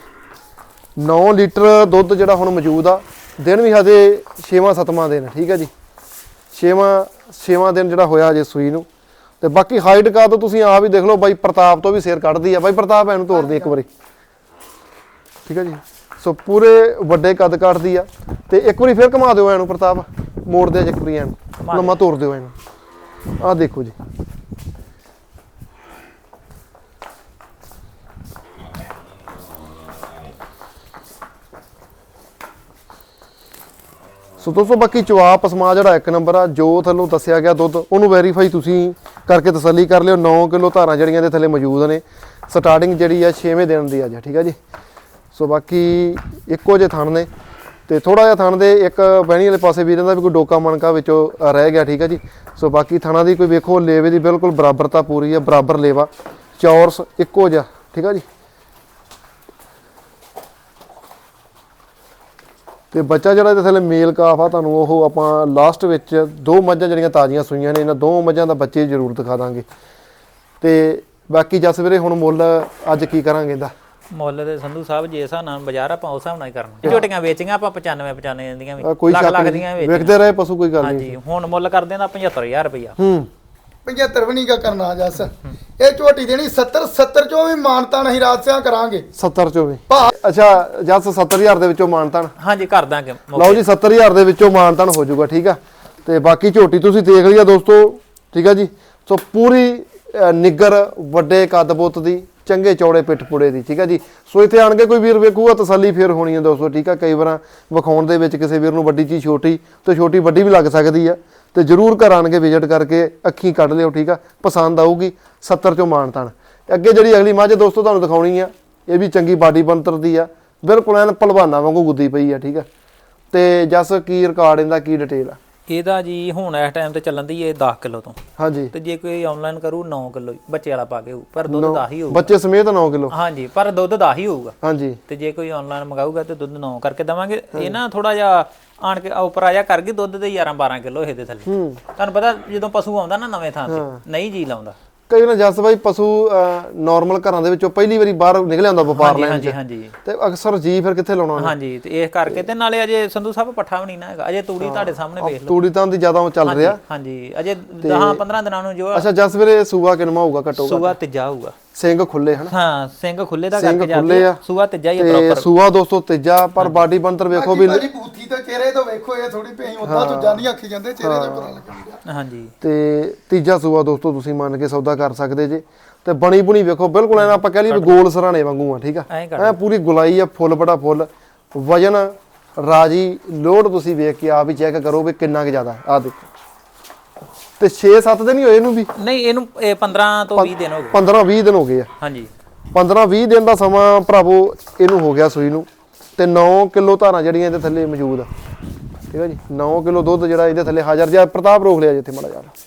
[SPEAKER 1] 9 ਲੀਟਰ ਦੁੱਧ ਜਿਹੜਾ ਹੁਣ ਮੌਜੂਦ ਆ ਦਿਨ ਵੀ ਹਜੇ 6ਵਾਂ 7ਵਾਂ ਦਿਨ ਠੀਕ ਆ ਜੀ 6ਵਾਂ ਦਿਨ ਜਿਹੜਾ ਹੋਇਆ ਹਜੇ ਸੂਈ ਨੂੰ ਤੇ ਬਾਕੀ ਹਾਈਟ ਕਾ ਤੋਂ ਤੁਸੀਂ ਆਪ ਹੀ ਦੇਖ ਲਓ ਬਾਈ ਪ੍ਰਤਾਪ ਤੋਂ ਵੀ ਸਿਰ ਕੱਢਦੀ ਆ ਬਾਈ ਪ੍ਰਤਾਪ ਇਹਨੂੰ ਤੋੜਦੀ ਇੱਕ ਵਾਰੀ ਠੀਕ ਆ ਜੀ ਸੋ ਪੂਰੇ ਵੱਡੇ ਕੱਦ ਕੱਢਦੀ ਆ ਤੇ ਇੱਕ ਵਾਰੀ ਫਿਰ ਘੁਮਾ ਦਿਓ ਇਹਨੂੰ ਪ੍ਰਤਾਪ ਮੋੜ ਦੇ ਇੱਕ ਵਾਰੀ ਇਹਨੂੰ ਲੰਮਾ ਤੋੜ ਦਿਓ ਇਹਨੂੰ ਆਹ ਦੇਖੋ ਜੀ ਸੋ ਦੋਸਤੋ ਬਾਕੀ ਚਵਾ ਪਸਮਾ ਜਿਹੜਾ ਇੱਕ ਨੰਬਰ ਆ ਜੋ ਥੱਲੋਂ ਦੱਸਿਆ ਗਿਆ ਦੁੱਧ ਉਹਨੂੰ ਵੈਰੀਫਾਈ ਤੁਸੀਂ ਕਰਕੇ ਤਸੱਲੀ ਕਰ ਲਿਓ 9 ਕਿਲੋ ਧਾਰਾਂ ਜਿਹੜੀਆਂ ਦੇ ਥੱਲੇ ਮੌਜੂਦ ਨੇ ਸਟਾਰਟਿੰਗ ਜਿਹੜੀ ਆ 6ਵੇਂ ਦਿਨ ਦੀ ਅੱਜ ਠੀਕ ਆ ਜੀ ਸੋ ਬਾਕੀ ਇੱਕੋ ਜਿਹੇ ਥਣ ਨੇ ਤੇ ਥੋੜਾ ਜਿਹਾ ਥਣ ਦੇ ਇੱਕ ਬਹਿਣੀ ਵਾਲੇ ਪਾਸੇ ਵੀ ਰਹਿੰਦਾ ਵੀ ਕੋਈ ਡੋਕਾ ਮਣਕਾ ਵਿੱਚੋਂ ਰਹਿ ਗਿਆ ਠੀਕ ਆ ਜੀ ਸੋ ਬਾਕੀ ਥਣਾ ਦੀ ਕੋਈ ਵੇਖੋ ਲੇਵੇ ਦੀ ਬਿਲਕੁਲ ਬਰਾਬਰਤਾ ਪੂਰੀ ਆ ਬਰਾਬਰ ਲੇਵਾ ਚੌਰਸ ਇੱਕੋ ਜਿਹਾ ਠੀਕ ਆ ਜੀ ਤੇ ਬੱਚਾ ਜਿਹੜਾ ਇਹਦੇ ਥੱਲੇ ਮੇਲ ਕਾਫ ਆ ਤੁਹਾਨੂੰ ਉਹ ਆਪਾਂ ਲਾਸਟ ਵਿੱਚ 2 ਮੱਝਾਂ ਜਿਹੜੀਆਂ ਤਾਜ਼ੀਆਂ ਸੂਈਆਂ ਨੇ ਇਹਨਾਂ 2 ਮੱਝਾਂ ਦਾ ਬੱਚੇ ਜ਼ਰੂਰ ਦਿਖਾ ਦਾਂਗੇ ਤੇ ਬਾਕੀ ਜਸ ਵੀਰੇ ਹੁਣ ਮੁੱਲ ਅੱਜ ਕੀ ਕਰਾਂਗੇ ਇਹਦਾ
[SPEAKER 2] ਮੁੱਲ ਦੇ ਸੰਧੂ ਸਾਹਿਬ ਜੇ ਹਿਸਾਬ ਨਾਲ ਬਾਜ਼ਾਰ ਆਪਾਂ ਉਸ ਹਿਸਾਬ ਨਾਲ ਹੀ ਕਰਨਾ ਝੋਟੀਆਂ ਵੇਚੀਆਂ ਆਪਾਂ 95 ਦੀਆਂ ਵੀ
[SPEAKER 1] ਕੋਈ
[SPEAKER 2] ਲੱਖ ਲੱਖ ਦੀਆਂ
[SPEAKER 1] ਵੇਚਦੇ ਰਹੇ ਪਸ਼ੂ ਕੋਈ ਗੱਲ ਨਹੀਂ
[SPEAKER 2] ਹਾਂਜੀ ਹੁਣ ਮੁੱਲ ਕਰਦੇ ਦਾ 75000 ਰੁਪਇਆ
[SPEAKER 3] 75 ਵੀ ਨਹੀਂ ਕਾ ਕਰਨਾ ਜੱਸ ਇਹ ਝੋਟੀ ਦੇਣੀ 70 ਚੋਂ ਵੀ ਮਾਨਤਾ ਨਹੀਂ ਰਾਤ ਸਿਆ ਕਰਾਂਗੇ
[SPEAKER 1] 70 ਚੋਂ ਵੀ ਅੱਛਾ ਜਸ 70000 ਦੇ ਵਿੱਚੋਂ ਮਾਨਤਾਨ
[SPEAKER 2] ਹਾਂਜੀ ਕਰ ਦਾਂਗੇ
[SPEAKER 1] ਲਓ ਜੀ 70000 ਦੇ ਵਿੱਚੋਂ ਮਾਨਤਾਨ ਹੋ ਜਾਊਗਾ ਠੀਕ ਆ ਤੇ ਬਾਕੀ ਝੋਟੀ ਤੁਸੀਂ ਦੇਖ ਲਿਆ ਦੋਸਤੋ ਠੀਕ ਆ ਜੀ ਸੋ ਪੂਰੀ ਨਿੱਗਰ ਵੱਡੇ ਕੱਦ ਬੁੱਤ ਦੀ ਚੰਗੇ ਚੌੜੇ ਪਿੱਠ ਪੁੜੇ ਦੀ ਠੀਕ ਆ ਜੀ ਸੋ ਇੱਥੇ ਆਣ ਕੇ ਕੋਈ ਵੀਰ ਵੇਖੂਗਾ ਤਸੱਲੀ ਫੇਰ ਹੋਣੀ ਹੈ ਦੋਸਤੋ ਠੀਕ ਆ ਕਈ ਵਾਰਾਂ ਵਿਖਾਉਣ ਦੇ ਵਿੱਚ ਕਿਸੇ ਵੀਰ ਨੂੰ ਵੱਡੀ ਚੀਜ਼ ਛੋਟੀ ਤੇ ਛੋਟੀ ਵੱਡੀ ਵੀ ਲੱਗ ਸਕਦੀ ਆ ਤੇ ਜਰੂਰ ਘਰ ਆਣ ਕੇ ਵਿਜ਼ਿਟ ਕਰਕੇ ਅੱਖੀਂ ਕੱਢ ਲਿਓ ਠੀਕ ਆ ਪਸੰਦ ਆਊਗੀ 70 ਚੋਂ ਮਾਨਤਾਨ ਅੱਗੇ ਜਿਹੜੀ ਅਗਲੀ ਮੱਝ ਦੋਸਤੋ ਤੁਹਾਨੂੰ ਦਿਖਾਉਣੀ ਆ ਇਹ ਵੀ ਚੰਗੀ ਬਾਡੀ ਬਣਤਰ ਦੀ ਆ ਬਿਲਕੁਲ ਐਨ ਭਲਵਾਨਾਂ ਵਾਂਗੂ ਗੁੱਦੀ ਪਈ ਆ ਠੀਕ ਆ ਤੇ ਜਸ ਕੀ ਰਿਕਾਰਡ ਇਹਦਾ, ਕੀ ਡਿਟੇਲ ਆ?
[SPEAKER 2] ਇਹਦਾ ਜੀ ਹੁਣ ਇਸ ਟਾਈਮ ਤੇ ਚੱਲਣ ਦੀ ਇਹ 10 ਕਿਲੋ ਤੋਂ,
[SPEAKER 1] ਹਾਂਜੀ
[SPEAKER 2] ਤੇ ਜੇ ਕੋਈ ਆਨਲਾਈਨ ਕਰੂ 9 ਕਿਲੋ ਬੱਚੇ ਵਾਲਾ ਪਾ ਕੇ ਹੋਊ, ਪਰ ਦੁੱਧ 10 ਹੀ ਹੋਊਗਾ।
[SPEAKER 1] ਬੱਚੇ ਸਮੇਤ 9 ਕਿਲੋ?
[SPEAKER 2] ਹਾਂਜੀ, ਪਰ ਦੁੱਧ 10 ਹੀ ਹੋਊਗਾ।
[SPEAKER 1] ਹਾਂਜੀ,
[SPEAKER 2] ਤੇ ਜੇ ਕੋਈ ਆਨਲਾਈਨ ਮੰਗਾਊਗਾ ਤੇ ਦੁੱਧ 9 ਕਰਕੇ ਦਵਾਂਗੇ। ਇਹ ਨਾ ਥੋੜਾ ਜਿਹਾ ਆਣ ਕੇ ਉੱਪਰ ਆ ਜਾ ਕਰ ਗਈ ਦੁੱਧ ਦੇ 11-12 ਕਿਲੋ ਇਹਦੇ ਥੱਲੇ। ਤੁਹਾਨੂੰ ਪਤਾ ਜਦੋਂ ਪਸ਼ੂ ਆਉਂਦਾ ਨਾ ਨਵੇਂ ਥਾਂ ਤੇ ਨਹੀਂ ਜੀ ਲਾਉਂਦਾ।
[SPEAKER 1] ਕਈ ਨਾ ਜਸ ਬਾਈ ਪਸ਼ੂ ਨਾਰਮਲ ਘਰਾਂ ਦੇ ਵਿੱਚੋਂ ਪਹਿਲੀ ਵਾਰੀ ਬਾਹਰ ਨਿਕਲਿਆ ਹੁੰਦਾ ਵਪਾਰ ਲੈਣ
[SPEAKER 2] ਹਾਂਜੀ
[SPEAKER 1] ਚ,
[SPEAKER 2] ਹਾਂਜੀ
[SPEAKER 1] ਤੇ ਅਕਸਰ ਜੀ ਫਿਰ ਕਿੱਥੇ ਲਾਉਣਾ ਉਹਨੇ?
[SPEAKER 2] ਹਾਂਜੀ, ਤੇ ਇਸ ਕਰਕੇ ਤੇ ਨਾਲੇ ਅਜੇ ਸੰਧੂ ਸਾਹਿਬ ਪੱਠਾ ਵੀ ਨਹੀਂ ਨਾ ਹੈਗਾ, ਅਜੇ ਤੂੜੀ ਤੁਹਾਡੇ ਸਾਹਮਣੇ ਵੇਖ ਲਓ।
[SPEAKER 1] ਤੂੜੀ ਤਾਂ ਦੀ ਜ਼ਿਆਦਾ ਚੱਲ ਰਿਹਾ।
[SPEAKER 2] ਹਾਂਜੀ, ਅਜੇ 10-15 ਦਿਨਾਂ ਨੂੰ ਜੋ
[SPEAKER 1] ਅੱਛਾ ਜਸ ਵੀਰੇ ਸੂਆ ਕਿੰਨਾ ਹੋਊਗਾ ਘੱਟੋ?
[SPEAKER 2] ਸੂਆ ਤੀਜਾ ਹੋਊਗਾ।
[SPEAKER 1] ਸਿੰਘ ਖੁੱਲੇ ਹਨ?
[SPEAKER 2] ਹਾਂ, ਸਿੰਘ ਖੁੱਲੇ ਦਾ
[SPEAKER 1] ਸਿੰਘ
[SPEAKER 2] ਕਰਕੇ
[SPEAKER 1] ਖੁੱਲੇ
[SPEAKER 2] ਜਾਂਦੇ
[SPEAKER 1] ਆ।
[SPEAKER 2] ਸੂਆ ਤੀਜਾ ਹੀ ਆ
[SPEAKER 1] ਤੇ
[SPEAKER 2] ਪ੍ਰੋਪਰ।
[SPEAKER 1] ਸੂਆ ਦੋਸਤੋ ਤੀਜਾ, ਪਰ ਬਾਡੀ ਬੰਤਰ ਵੇਖੋ ਵੀ
[SPEAKER 3] ਭਾਜੀ ਬੂਥੀ ਤੇ ਚਿਹਰੇ ਤੋਂ ਵੇਖੋ, ਇਹ ਥੋੜੀ ਪਈ ਉਦਾਂ ਤੋਂ ਜਾਨੀ ਆਖੀ ਜਾਂਦੇ, ਚਿਹਰੇ ਤੇ ਪਤਾ ਲੱਗਦਾ।
[SPEAKER 2] ਹਾਂਜੀ,
[SPEAKER 1] ਤੇ ਤੀਜਾ ਸੂਆ ਦੋਸਤੋ ਤੁਸੀਂ ਮੰਨ ਕੇ ਸੌਦਾ ਕਰ ਸਕਦੇ ਜੇ। ਤੇ ਬਣੀ ਬੁਣੀ ਵੇਖੋ ਬਿਲਕੁਲ ਐਂ ਆਪਾਂ ਕਹਿ ਲਈਏ ਵੀ ਗੋਲ ਸਰਾਣੇ ਵਾਂਗੂ ਆ, ਠੀਕ ਆ, ਐ ਪੂਰੀ ਗੁਲਾਈ ਆ, ਫੁੱਲ ਬੜਾ ਫੁੱਲ ਵਜਨ ਰਾਜੀ ਲੋਡ ਤੁਸੀਂ ਵੇਖ ਕੇ ਆਪ ਹੀ ਚੈੱਕ ਕਰੋ ਵੀ ਕਿੰਨਾ ਕੁ ਜ਼ਿਆਦਾ। ਆ ਦੇਖੋ, ਤੇ 6-7 ਦਿਨ ਹੀ ਹੋਏ ਇਹਨੂੰ ਵੀ?
[SPEAKER 2] ਨਹੀਂ, ਇਹਨੂੰ 15 ਤੋਂ 20 ਦਿਨ ਹੋ ਗਏ।
[SPEAKER 1] 15-20 ਦਿਨ ਹੋ ਗਏ ਆ।
[SPEAKER 2] ਹਾਂਜੀ,
[SPEAKER 1] 15-20 ਦਿਨ ਦਾ ਸਮਾਂ ਭਰਾਵੋ ਇਹਨੂੰ ਹੋ ਗਿਆ ਸੂਈ ਨੂੰ, ਤੇ 9 ਕਿਲੋ ਧਾਰਾਂ ਜਿਹੜੀਆਂ ਇਹਦੇ ਥੱਲੇ ਮੌਜੂਦ ਆ, ਠੀਕ ਆ ਜੀ। 9 ਕਿਲੋ ਦੁੱਧ ਜਿਹੜਾ ਇਹਦੇ ਥੱਲੇ ਹਾਜ਼ਰ। ਜਿਹਾ ਪ੍ਰਤਾਪ ਰੋਕ ਲਿਆ ਜਿੱਥੇ ਮਾੜਾ ਯਾਰ।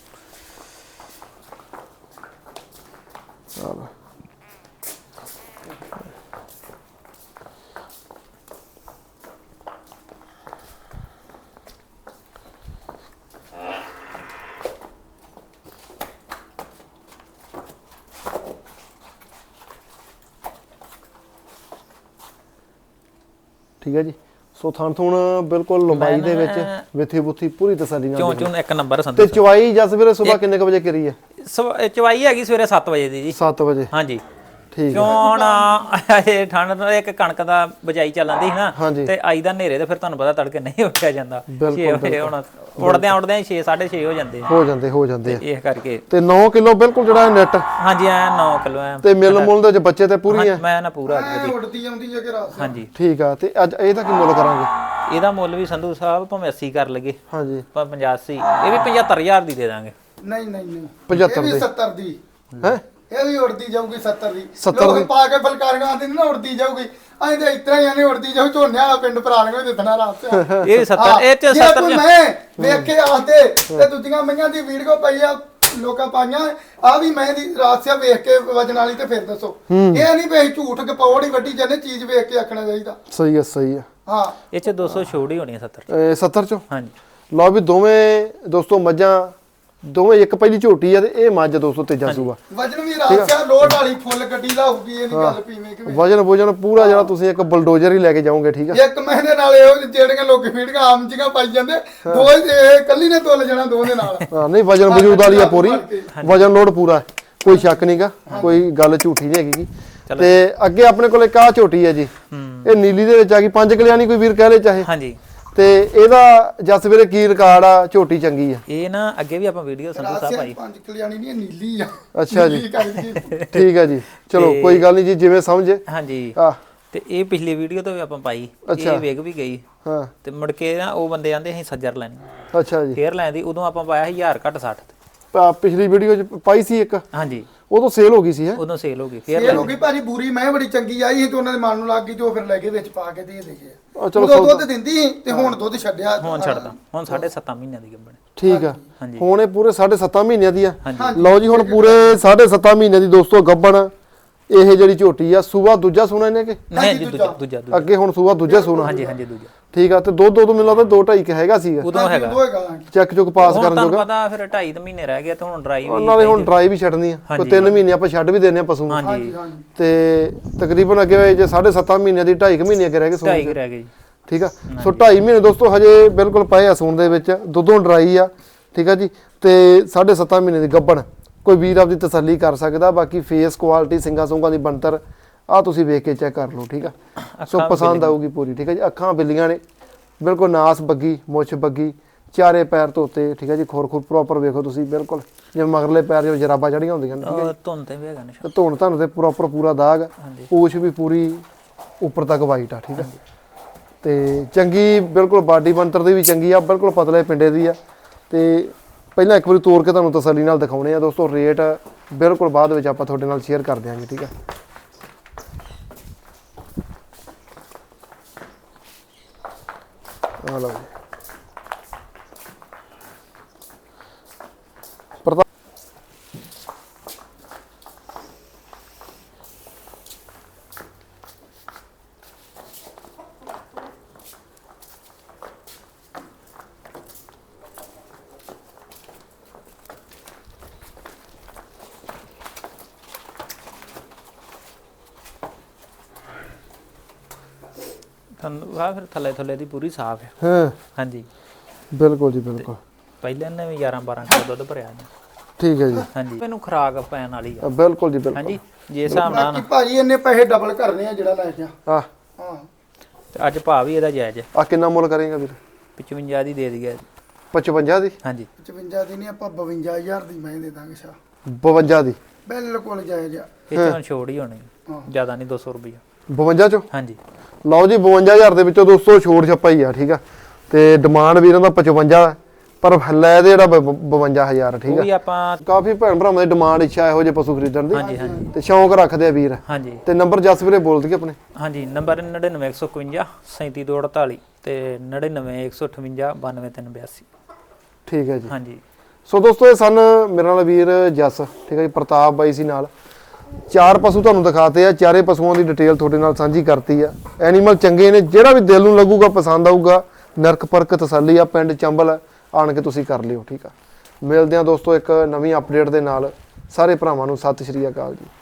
[SPEAKER 1] ਠੀਕ ਹੈ ਜੀ। ਸੋ ਥਣ ਥੁਣ ਬਿਲਕੁਲ ਲੰਬਾਈ ਦੇ ਵਿੱਚ ਵਿਥੀ ਬੁੱਥੀ ਪੂਰੀ ਤਸੱਲੀ ਨਾਲ।
[SPEAKER 2] ਚੋਂ ਇੱਕ ਨੰਬਰ ਸੰਧੂ।
[SPEAKER 1] ਤੇ ਚਵਾਈ ਜਸ ਵੀਰੇ ਸਵੇਰ ਕਿੰਨੇ ਵਜੇ ਕਰੀ ਹੈ?
[SPEAKER 2] ਚਵਾਈ ਹੈਗੀ ਸਵੇਰੇ 7 ਵਜੇ ਦੀ ਜੀ।
[SPEAKER 1] 7 ਵਜੇ? ਹਾਂਜੀ ਠੀਕ
[SPEAKER 2] ਕਿਉਂ ਹੁਣ ਇਹ ਠੰਡ ਨਾਲ ਇੱਕ ਕਣਕ ਦਾ ਬਜਾਈ ਚੱਲਣ ਦੀ ਸੀ ਨਾ, ਤੇ ਆਈ ਦਾ ਹਨੇਰੇ ਤੇ ਫਿਰ ਤੁਹਾਨੂੰ ਪਤਾ ਤੜਕੇ ਨਹੀਂ ਉੱਠਿਆ ਜਾਂਦਾ। 6 ਵਜੇ ਹੁਣ ਉੜਦਿਆਂ 6 6:30 ਹੋ ਜਾਂਦੇ ਆ ਇਸ ਕਰਕੇ।
[SPEAKER 1] ਤੇ 9 ਕਿਲੋ ਬਿਲਕੁਲ ਜਿਹੜਾ ਨੈਟ?
[SPEAKER 2] ਹਾਂਜੀ, ਐ 9 ਕਿਲੋ ਐ।
[SPEAKER 1] ਤੇ ਮਿਲ ਮੁੱਲ ਦੇ ਵਿੱਚ ਬੱਚੇ ਤੇ ਪੂਰੀ ਹੈ?
[SPEAKER 2] ਮੈਂ ਨਾ ਪੂਰਾ
[SPEAKER 3] ਉੱਡਦੀ ਆਉਂਦੀ ਹੈ ਕਿ ਰਾਤ।
[SPEAKER 2] ਹਾਂਜੀ
[SPEAKER 1] ਠੀਕ ਆ। ਤੇ ਅੱਜ ਇਹਦਾ ਕੀ ਮੁੱਲ ਕਰਾਂਗੇ?
[SPEAKER 2] ਇਹਦਾ ਮੁੱਲ ਵੀ ਸੰਧੂ ਸਾਹਿਬ ਭਾਵੇਂ 80 ਕਰ ਲਗੇ,
[SPEAKER 1] ਹਾਂਜੀ,
[SPEAKER 2] ਪਰ 85 ਇਹ ਵੀ 75000 ਦੀ ਦੇ ਦਾਂਗੇ।
[SPEAKER 3] ਨਹੀਂ ਨਹੀਂ ਨਹੀਂ,
[SPEAKER 1] 75
[SPEAKER 3] ਦੀ 70 ਦੀ
[SPEAKER 1] ਹੈ?
[SPEAKER 3] ਇਹ ਵੀ ਉੜਦੀ ਜਾਊਗੀ 70 ਦੀ।
[SPEAKER 1] 70 ਦੀ
[SPEAKER 3] ਪਾ ਕੇ ਫਲਕਾਰੀਆਂ ਆਂਦੇ ਨੇ ਨਾ ਉੜਦੀ ਜਾਊਗੀ, ਐਂ ਤੇ ਇਤਰਾ ਹੀ ਆਨੇ ਉੜਦੀ ਜਾਊ। ਝੋਨੇ ਵਾਲਾ ਪਿੰਡ ਪ੍ਰਾਣੀਆਂ ਦੇ ਦਿਨਾਂ ਰਾਤ ਤੇ
[SPEAKER 2] ਇਹ 70 ਇਹ ਚ 70
[SPEAKER 3] ਮੈਂ ਵੇਖ ਕੇ ਆਖਦੇ ਤੇ ਦੂਜੀਆਂ ਮਈਆਂ ਦੀ ਵੀਡੀਓ ਪਈ ਆ ਲੋਕਾਂ ਪਾਈਆਂ, ਆ ਵੀ ਮੈਂ ਦੀ ਰਾਤ ਸਿਆ ਵੇਖ ਕੇ ਵਜਨ ਵਾਲੀ। ਤੇ ਫਿਰ ਦੱਸੋ, ਇਹ ਨਹੀਂ ਵੀ ਝੂਠ ਕਪੌੜ ਹੀ ਵੱਡੀ ਜਾਂਦੇ, ਚੀਜ਼ ਵੇਖ ਕੇ ਆਖਣਾ ਚਾਹੀਦਾ।
[SPEAKER 1] ਸਹੀ ਆ ਸਹੀ ਆ।
[SPEAKER 3] ਹਾਂ,
[SPEAKER 2] ਇਹ ਚ 200 ਛੋੜ ਹੀ ਹੋਣੀ ਹੈ 70
[SPEAKER 1] 70 ਚੋਂ।
[SPEAKER 2] ਹਾਂਜੀ
[SPEAKER 1] ਲਓ ਵੀ ਦੋਵੇਂ ਦੋਸਤੋ ਮੱਝਾਂ, ਦੋਵੇਂ ਇੱਕ ਪਹਿਲੀ ਝੋਟੀ ਆ ਤੇ ਇਹ ਮੱਝ ਦੋਸਤੋ ਤੀਜਾ ਸੂਆ।
[SPEAKER 3] ਵਜਨ ਵੀ ਰਾਤ ਸਿਆ ਲੋਡ ਵਾਲੀ ਫੁੱਲ ਗੱਡੀ ਦਾ ਹੋਊਗੀ, ਇਹ ਨਹੀਂ ਗੱਲ ਪੀਵੇਂ ਕਿ
[SPEAKER 1] ਵਜਨ ਪੂਰਾ ਜਿਹੜਾ ਤੁਸੀਂ ਇੱਕ ਬਲਡੋਜ਼ਰ ਹੀ ਲੈ ਕੇ ਜਾਓਗੇ, ਠੀਕ ਆ।
[SPEAKER 3] ਇੱਕ ਮਹੀਨੇ ਨਾਲ ਇਹੋ ਜਿਹੜੀਆਂ ਲੋਕੀ ਫੀਡਾਂ ਆਮ ਜੀਆਂ ਪਾਈ ਜਾਂਦੇ, ਦੋ ਇਹ ਕੱਲੀ ਨੇ ਤੁੱਲ ਜਾਣਾ ਦੋ ਦੇ ਨਾਲ।
[SPEAKER 1] ਹਾਂ ਨਹੀਂ, ਵਜਨ ਵਜੂਦ ਵਾਲੀ ਆ ਪੂਰੀ, ਵਜਨ ਲੋਡ ਪੂਰਾ, ਕੋਈ ਸ਼ੱਕ ਨਹੀਂਗਾ, ਕੋਈ ਗੱਲ ਝੂਠੀ ਨਹੀਂ ਹੈਗੀ। ਤੇ ਅੱਗੇ ਆਪਣੇ ਕੋਲ ਇੱਕ ਆ ਝੋਟੀ ਹੈ ਜੀ, ਇਹ ਨੀਲੀ ਦੇ ਵਿੱਚ ਆ ਗਈ, 5 ਕਲਿਆਣੀ ਕੋਈ ਵੀਰ ਕਹਿ ਲੇ ਚਾਹੇ।
[SPEAKER 2] ਹਾਂਜੀ,
[SPEAKER 1] ਤੇ ਇਹਦਾ ਜਸ ਵੀਰੇ ਕੀ ਰਿਕਾਰਡ ਆ? ਝੋਟੀ ਚੰਗੀ ਆ?
[SPEAKER 2] ਇਹ ਨਾ ਅੱਗੇ ਵੀ ਆਪਾਂ ਵੀਡੀਓ ਸੰਧੂ ਸਾਹਿਬ ਪਾਈ।
[SPEAKER 3] 5 ਕਲਿਆਣੀ ਨਹੀਂ, ਨੀਲੀ ਆ।
[SPEAKER 1] ਅੱਛਾ ਜੀ, ਠੀਕ ਆ ਜੀ, ਚਲੋ ਕੋਈ ਗੱਲ ਨਹੀਂ ਜੀ, ਜਿਵੇਂ ਸਮਝੇ।
[SPEAKER 2] ਹਾਂਜੀ,
[SPEAKER 1] ਆ
[SPEAKER 2] ਤੇ ਇਹ ਪਿਛਲੀ ਵੀਡੀਓ ਤੋਂ ਵੀ ਆਪਾਂ ਪਾਈ, ਇਹ ਵੇਖ ਵੀ ਗਈ।
[SPEAKER 1] ਹਾਂ,
[SPEAKER 2] ਤੇ ਮੁੜ ਕੇ ਨਾ ਉਹ ਬੰਦੇ ਆਂਦੇ ਅਸੀਂ ਸੱਜਰ ਲੈਣੀ,
[SPEAKER 1] ਅੱਛਾ ਜੀ,
[SPEAKER 2] ਫੇਰ ਲੈਂਦੀ। ਉਦੋਂ ਆਪਾਂ ਪਾਇਆ 1000 ਘੱਟ 60 ਤੇ।
[SPEAKER 1] ਪਿਛਲੀ ਵੀਡੀਓ ਚ ਪਾਈ ਸੀ ਇੱਕ,
[SPEAKER 2] ਹਾਂਜੀ,
[SPEAKER 1] ਉਦੋਂ ਸੇਲ ਹੋ ਗਈ ਸੀ। ਹੈ
[SPEAKER 2] ਉਦੋਂ ਸੇਲ ਹੋ ਗਈ, ਫੇਰ
[SPEAKER 3] ਸੇਲ ਹੋ ਗਈ ਭਾਜੀ। ਬੂਰੀ ਮੈਂ ਬੜੀ ਚੰਗੀ ਆਈ ਸੀ ਤੇ ਉਹਨਾਂ ਦੇ ਮਨ ਨੂੰ ਲੱਗ ਗਈ, ਜੋ ਫਿਰ ਲੈ ਕੇ ਵਿੱਚ ਪਾ ਕੇ ਦੇ ਗਏ।
[SPEAKER 1] ਚਲੋ
[SPEAKER 3] ਉਦੋਂ ਦੁੱਧ ਦਿੰਦੀ ਸੀ ਤੇ ਹੁਣ ਦੁੱਧ ਛੱਡਿਆ,
[SPEAKER 2] ਹੁਣ ਛੱਡਦਾ। ਹੁਣ 7.5 ਮਹੀਨਿਆਂ ਦੀ ਗੱਭਣ।
[SPEAKER 1] ਠੀਕ ਆ, ਹੁਣ ਇਹ ਪੂਰੇ 7.5 ਮਹੀਨਿਆਂ ਦੀ ਆ।
[SPEAKER 2] ਹਾਂਜੀ,
[SPEAKER 1] ਲਓ ਜੀ, ਹੁਣ ਪੂਰੇ 7.5 ਮਹੀਨਿਆਂ ਦੀ ਦੋਸਤੋ ਗੱਭਣ ਇਹ ਜਿਹੜੀ ਝੋਟੀ ਆ। ਸੂਆ ਦੂਜਾ ਸੂਣਾ ਇਹਨੇ ਕਿ
[SPEAKER 2] ਨਹੀਂ? ਦੂਜਾ
[SPEAKER 1] ਅੱਗੇ ਹੁਣ ਸੂਆ ਦੂਜਾ ਸੂਣਾ।
[SPEAKER 2] ਹਾਂਜੀ ਹਾਂਜੀ, ਦੂਜਾ।
[SPEAKER 1] ਠੀਕ ਆ। ਤੇ ਦੁੱਧ ਮੈਨੂੰ ਲੱਗਦਾ 2.5 ਹੈਗਾ ਸੀਗਾ
[SPEAKER 2] ਉਦੋਂ ਹੈਗਾ,
[SPEAKER 1] ਚੈੱਕ ਚੁੱਕ ਪਾਸ ਕਰਨ
[SPEAKER 2] ਤੁਹਾਨੂੰ
[SPEAKER 1] ਜੋਗਾ।
[SPEAKER 2] ਪਤਾ ਫਿਰ 2.5 ਮਹੀਨੇ ਰਹਿ ਗਏ ਤੇ ਹੁਣ ਡਰਾਈ ਵੀ
[SPEAKER 1] ਨਾਲੇ ਹੁਣ ਡਰਾਈ ਵੀ ਛੱਡਣੀ ਆ, ਕੋਈ 3 ਮਹੀਨੇ ਆਪਾਂ ਛੱਡ ਵੀ ਦੇਣੇ ਆ ਪਸ਼ੂ ਨੂੰ।
[SPEAKER 2] ਹਾਂਜੀ,
[SPEAKER 1] ਤੇ ਤਕਰੀਬਨ ਅੱਗੇ ਜੇ 7.5 ਮਹੀਨਿਆਂ ਦੀ 2.5 ਮਹੀਨੇ ਅੱਗੇ ਰਹਿ ਗਏ ਸੂਣ
[SPEAKER 2] 2.5 ਰਹਿ ਗਏ ਜੀ।
[SPEAKER 1] ਠੀਕ ਆ। ਸੋ 2.5 ਮਹੀਨੇ ਦੋਸਤੋ ਹਜੇ ਬਿਲਕੁਲ ਪਏ ਆ ਸੂਣ ਦੇ ਵਿੱਚ, ਦੁੱਧੋਂ ਡਰਾਈ ਆ। ਠੀਕ ਆ ਜੀ। ਤੇ 7.5 ਮਹੀਨੇ ਦੀ ਗੱਭਣ, ਕੋਈ ਵੀਰ ਆਪਦੀ ਤਸੱਲੀ ਕਰ ਸਕਦਾ। ਬਾਕੀ ਫੇਸ ਕੁਆਲਿਟੀ, ਸਿੰਗਾ ਸੁੰਗਾ ਦੀ ਬਣਤਰ ਆ ਤੁਸੀਂ ਵੇਖ ਕੇ ਚੈੱਕ ਕਰ ਲਓ। ਠੀਕ ਆ, ਸੋ ਪਸੰਦ ਆਊਗੀ ਪੂਰੀ। ਠੀਕ ਆ ਜੀ, ਅੱਖਾਂ ਬਿੱਲੀਆਂ ਨੇ ਬਿਲਕੁਲ, ਨਾਸ ਬੱਗੀ, ਮੁੱਛ ਬੱਗੀ, ਚਾਰੇ ਪੈਰ ਧੋਤੇ। ਠੀਕ ਆ ਜੀ, ਖੁਰ ਪ੍ਰੋਪਰ ਵੇਖੋ ਤੁਸੀਂ, ਬਿਲਕੁਲ ਜਿਵੇਂ ਮਗਰਲੇ ਪੈਰ ਜਿਵੇਂ ਜਰਾਬਾਂ ਚੜੀਆਂ ਹੁੰਦੀਆਂ ਨੇ। ਠੀਕ ਆ,
[SPEAKER 2] ਧੁੰਨ ਤੇ ਵੀ ਹੈਗਾ ਨਿਸ਼ਾਨ,
[SPEAKER 1] ਧੁੰਨ ਤੁਹਾਨੂੰ ਤੇ ਪ੍ਰੋਪਰ ਪੂਰਾ ਦਾਗ। ਪੂਛ ਵੀ ਪੂਰੀ ਉੱਪਰ ਤੱਕ ਵਾਈਟ ਆ। ਠੀਕ ਆ, ਤੇ ਚੰਗੀ ਬਿਲਕੁਲ ਬਾਡੀ ਬਣਤਰ ਦੀ ਵੀ ਚੰਗੀ ਆ, ਬਿਲਕੁਲ ਪਤਲੇ ਪਿੰਡੇ ਦੀ ਆ। ਤੇ ਪਹਿਲਾਂ ਇੱਕ ਵਾਰੀ ਤੋੜ ਕੇ ਤੁਹਾਨੂੰ ਤਸੱਲੀ ਨਾਲ ਦਿਖਾਉਣੇ ਆ ਦੋਸਤੋ। ਰੇਟ ਬਿਲਕੁਲ ਬਾਅਦ ਵਿੱਚ ਆਪਾਂ ਤੁਹਾਡੇ ਨਾਲ ਸ਼ੇਅਰ ਕਰ ਦਿਆਂਗੇ। ਠੀਕ ਆ, ਆ ਲਓ ਜੀ।
[SPEAKER 2] ਤੁਹਾਨੂੰ ਆ ਫਿਰ ਥੱਲੇ ਦੀ ਪੂਰੀ ਸਾਫ਼ ਹੈ।
[SPEAKER 1] ਹਾਂ
[SPEAKER 2] ਹਾਂਜੀ
[SPEAKER 1] ਬਿਲਕੁਲ ਜੀ ਬਿਲਕੁਲ।
[SPEAKER 2] ਪਹਿਲਾਂ ਨੇ ਵੀ 11-12 ਕਿਲੋ ਦੁੱਧ ਭਰਿਆ ਜੀ।
[SPEAKER 1] ਠੀਕ ਹੈ ਜੀ।
[SPEAKER 2] ਹਾਂਜੀ ਮੈਨੂੰ ਖੁਰਾਕ ਪੈਣ ਵਾਲੀ ਆ।
[SPEAKER 1] ਬਿਲਕੁਲ ਜੀ ਬਿਲਕੁਲ।
[SPEAKER 2] ਹਾਂਜੀ ਜੇ ਹਿਸਾਬ ਨਾਲ
[SPEAKER 3] ਬਾਕੀ ਭਾਜੀ ਇਹਨੇ ਪੈਸੇ ਡਬਲ ਕਰਨੇ ਆ ਜਿਹੜਾ ਲੈ ਗਿਆ।
[SPEAKER 1] ਹਾਂ
[SPEAKER 3] ਹਾਂ
[SPEAKER 2] ਤੇ ਅੱਜ ਭਾਅ ਵੀ ਇਹਦਾ ਜਾਇਜ਼ ਹੈ।
[SPEAKER 1] ਆ ਕਿੰਨਾ ਮੁੱਲ ਕਰੇਗਾ ਵੀਰ?
[SPEAKER 2] 55 ਦੀ ਦੇ ਦਈਏ।
[SPEAKER 1] 55 ਦੀ?
[SPEAKER 2] ਹਾਂਜੀ
[SPEAKER 3] 55 ਦੀ ਨਹੀਂ ਆਪਾਂ 52000 ਦੀ ਮੈਂ ਦੇ ਦਾਂਗੇ ਸ਼ਾ।
[SPEAKER 1] 52 ਦੀ?
[SPEAKER 3] ਬਿਲਕੁਲ ਜਾਇਜ਼ ਆ।
[SPEAKER 2] ਇਹ ਚੋਂ ਛੋੜ ਹੀ ਹੋਣੀ ਜ਼ਿਆਦਾ ਨਹੀਂ 200 ਰੁਪਏ।
[SPEAKER 1] 52 ਚੋਂ?
[SPEAKER 2] ਹਾਂਜੀ
[SPEAKER 1] ਲਓ ਜੀ 52000 ਦੇ ਵਿੱਚੋਂ ਦੋਸਤੋ ਛੋੜ ਛੱਪਾ ਹੀ ਆ। ਠੀਕ ਆ ਤੇ ਡਿਮਾਂਡ ਵੀਰਾਂ ਦਾ 55 ਪਰ ਲੈ ਦੇ ਜਿਹੜਾ 52000 ਠੀਕ
[SPEAKER 2] ਉਹ ਵੀ
[SPEAKER 1] ਆ।
[SPEAKER 2] ਆਪਾਂ
[SPEAKER 1] ਕਾਫੀ ਭੈਣ ਭਰਾਵਾਂ ਦੀ ਡਿਮਾਂਡ ਇੱਛਾ ਇਹੋ ਜਿਹੇ ਪਸ਼ੂ ਖਰੀਦਣ ਦੀ
[SPEAKER 2] ਹਾਂਜੀ ਹਾਂਜੀ
[SPEAKER 1] ਤੇ ਸ਼ੌਂਕ ਰੱਖਦੇ ਆ ਵੀਰ।
[SPEAKER 2] ਹਾਂਜੀ
[SPEAKER 1] ਤੇ ਨੰਬਰ ਜਸ ਵੀਰੇ ਬੋਲ ਦਈਏ ਆਪਣੇ?
[SPEAKER 2] ਹਾਂਜੀ ਨੰਬਰ 99151 37248 ਤੇ 99158 92382।
[SPEAKER 1] ਠੀਕ ਹੈ ਜੀ।
[SPEAKER 2] ਹਾਂਜੀ
[SPEAKER 1] ਸੋ ਦੋਸਤੋ ਇਹ ਸਨ ਮੇਰੇ ਨਾਲ ਵੀਰ ਜਸ, ਠੀਕ ਹੈ ਜੀ, ਪ੍ਰਤਾਪ ਬਾਈ ਸੀ ਨਾਲ। 4 ਪਸ਼ੂ ਤੁਹਾਨੂੰ ਦਿਖਾਤੇ ਆ, ਚਾਰੇ ਪਸ਼ੂਆਂ ਦੀ ਡਿਟੇਲ ਤੁਹਾਡੇ ਨਾਲ ਸਾਂਝੀ ਕਰਤੀ ਆ। ਐਨੀਮਲ ਚੰਗੇ ਨੇ, ਜਿਹੜਾ ਵੀ ਦਿਲ ਨੂੰ ਲੱਗੂਗਾ ਪਸੰਦ ਆਊਗਾ ਨਰਕ ਪਰਕ ਤਸੱਲੀ ਆ। ਪਿੰਡ ਚੰਬਲ ਆਣ ਕੇ ਤੁਸੀਂ ਕਰ ਲਿਓ। ਠੀਕ ਆ, ਮਿਲਦੇ ਆ ਦੋਸਤੋ ਇੱਕ ਨਵੀਂ ਅਪਡੇਟ ਦੇ ਨਾਲ। ਸਾਰੇ ਭਰਾਵਾਂ ਨੂੰ ਸਤਿ ਸ਼੍ਰੀ ਅਕਾਲ ਜੀ।